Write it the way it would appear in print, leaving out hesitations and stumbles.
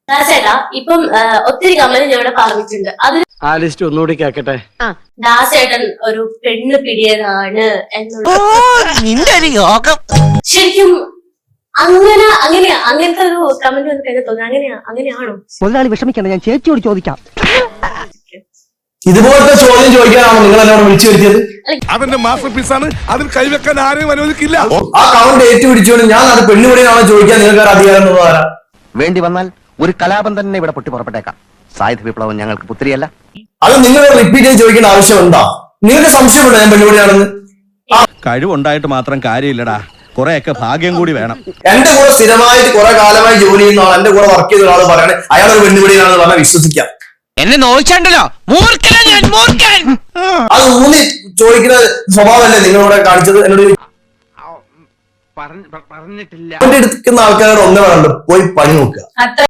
ദാസേട്ടാ ഇപ്പം ഒത്തിരി കമന്റ് ഞാൻ ഇവിടെ പറഞ്ഞിട്ടുണ്ട് അതിൽ ആ ലിസ്റ്റ് ഒന്നുകൂടി കേക്കട്ടെ. ദാസേട്ടൻ ഒരു പെണ്ണ് പിടിയതാണ് എന്നുള്ള ശരിക്കും അങ്ങനത്തെ ഒരു കമന്റ് വന്ന് കഴിഞ്ഞാൽ തോന്നുന്നു അങ്ങനെയാണോ? മുതലാളി വിഷമിക്കണ്ട, ഞാൻ ചേച്ചിയോട് ചോദിക്കാം. ഇതുപോലത്തെ ചോദ്യം ചോദിക്കാനാണോ നിങ്ങൾ എന്നോട് വിളിച്ചു വരുത്തിയത്? അതിന്റെ മാസ്റ്റർ പീസാണ്, അതിൽ കൈവെക്കാൻ ആരെയും അനുവദിക്കില്ല. ആ കൗണ്ട് ഏറ്റുപിടിച്ചുകൊണ്ട് ഞാൻ അത് പെണ്ണുപിടിയാണോ ചോദിക്കാൻ നിങ്ങൾക്ക് അധികാരം തന്നതാരാ? വേണ്ടി വന്നാൽ ഒരു കലാപം തന്നെ ഇവിടെ പൊട്ടി പുറപ്പെട്ടേക്കാം. സായുധ വിപ്ലവം ഞങ്ങൾക്ക് പുത്രിയല്ല. അത് നിങ്ങൾ റിപ്പീറ്റ് ചെയ്ത് ചോദിക്കേണ്ട ആവശ്യമുണ്ടോ? നിങ്ങൾക്ക് സംശയമുണ്ടോ ഞാൻ പെണ്ണുപിടിയാണെന്ന്? കഴിവുണ്ടായിട്ട് മാത്രം കാര്യമില്ലടാ, കുറെയൊക്കെ ഭാഗ്യം കൂടി വേണം. എന്റെ കൂടെ സ്ഥിരമായിട്ട് കുറെ കാലമായി ജോലി ചെയ്യുന്ന ആൾ, എന്റെ കൂടെ വർക്ക് ചെയ്ത ഒരാൾ പറയണേ അയാൾ ഒരു പെണ്ണുപിടിയാണെന്ന് പറഞ്ഞാൽ വിശ്വസിക്കാം. എന്നെ നോയിച്ചോ അത് ഊന്നി ചോദിക്കുന്ന സ്വഭാവമല്ലേ നിങ്ങളിവിടെ കാണിച്ചത്? എന്നോട് പറഞ്ഞിട്ടില്ല. എടുക്കുന്ന ആൾക്കാരോട് ഒന്നേ വേണ്ട, പോയി പണി നോക്കുക.